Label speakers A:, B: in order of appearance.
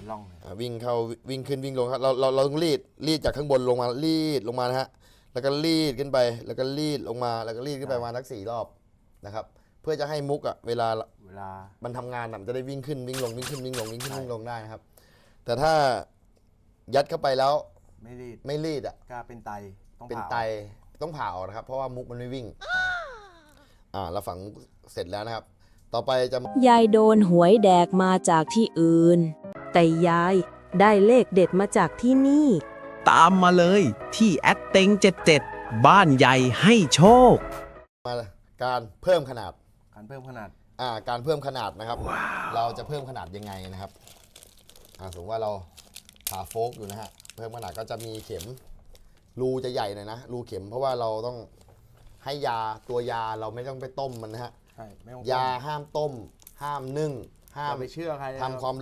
A: เป็นร่องเลย
B: วิ่งเข้าวิ่งขึ้นวิ่งลงครับเราต้องรีดจากข้างบนลงมารีดลงมานะฮะแล้วก็รีดขึ้นไปแล้วก็รีดลงมาแล้วก็รีดขึ้นไปมาทั้ง4 รอบนะครับเพื่อจะให้มุกเวลามันทำงานมันจะได้วิ่งขึ้นวิ่งลงวิ่งขึ้นวิ่งลงวิ่งขึ้นวิ่งลงได้นะครับแต่ถ้ายัดเข้าไปแล้วไม่รีด
A: ก็เป็นไต
B: ต้องผ่าออกนะครับเพราะว่ามุกมันไม่วิ่งเราฝังเสร็จแล้วนะครับต่อไปจะ
C: ยายโดนหวยแดกมาจากที่อื่นแต่ยายได้เลขเด็ดมาจากที่นี่
D: ตามมาเลยที่แอดเต็ง77บ้านใหญ่ให้โชค
B: มาการเพิ่มขนาด
A: การเพิ่มขนาด
B: นะครับ เราจะเพิ่มขนาดยังไงนะครับสมมติว่าเราผ่าโฟกอยู่นะฮะเพิ่มขนาดก็จะมีเข็มรูจะใหญ่หน่อยนะรูเข็มเพราะว่าเราต้องให้ตัวยาเราไม่ต้องไปต้มมันนะฮะยาห้ามต้มห้ามนึ่งห้าม
A: ไปเชื่อใคร
B: ทำความ